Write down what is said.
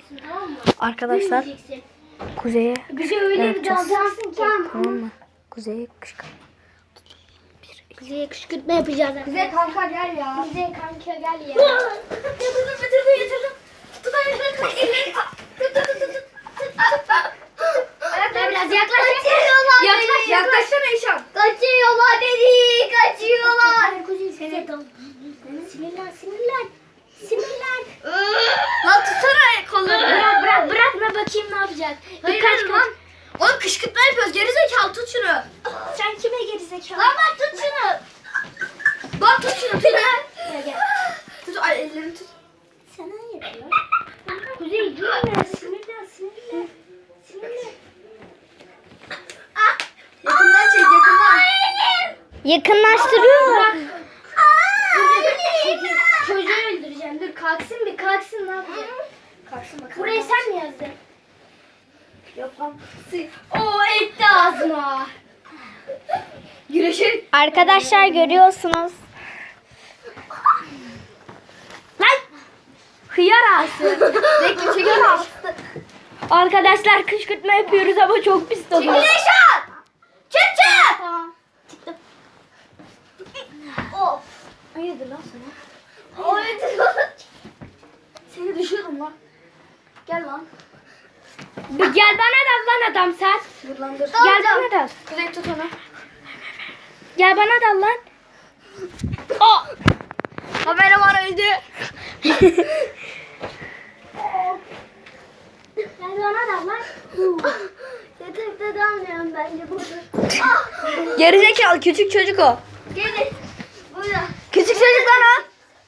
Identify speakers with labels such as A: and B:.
A: dalacaksın, tamam mı?
B: Arkadaşlar
A: Büyümeyeceksin.
B: kuzeye
A: Bize öyle bir
B: yapacağız.
A: dalacaksın ki.
B: Tamam mı? Kuzeye kışkırtma.
A: Kuzeye kışkırtma yapacağız.
C: Kuzey kanka gel ya.
A: Kuzey kanka gel ya.
C: Yatırdım. Tut ayaklarını. Elleri tut.
A: Ayaklar biraz yaklaş.
C: Yaklaşsana İşan.
A: Kaçıyorlar beni. Kaçıyorlar. Kuzey seni. Sinirlen.
C: Lan tutsana kollarını.
A: Bırakma bakayım ne yapacak.
C: Hayır lan. Oğlum kışkırtma yapıyoruz. Gerizekalı tut şunu.
A: Sen kime gerizekalı?
C: Lan bak tut şunu. Bak tut şunu. Tut.
A: Gel.
C: Tut ay ellerini tut.
A: Sana yapıyor. Kuzey durma. Sinirlen.
C: Yakından çek yakından.
B: Yakınlaştırıyor mu?
A: Çocuğu öldüreceğim. Dur kalksın ne yapacak?
C: Kalksın bakalım.
A: Burayı sen mi yazdın?
C: Yok lan.
A: Oo etti ağzıma.
C: Güreşe.
B: Arkadaşlar görüyorsunuz.
A: Lan! Hıyar ağası.
C: Bekle çekin al.
B: Arkadaşlar kışkırtma yapıyoruz ama çok pis oluyor.
C: İşan. Çık.
A: Tamam. Çıktım.
C: Of.
A: Hayırdır lan sana?
C: Seni düşüyorum lan. Gel lan.
B: Gel bana dal lan adam sen.
C: Dur lan dur.
B: Gel bana dal.
C: Kuzey tut onu.
B: Gel bana dal lan.
C: Kameraman öldü.
A: Gel bana da lan. Yatakta dalmıyorum bence burada.
B: Gerizekalı küçük çocuk o.
C: Gelin. Burada.
B: Küçük çocuk lan o.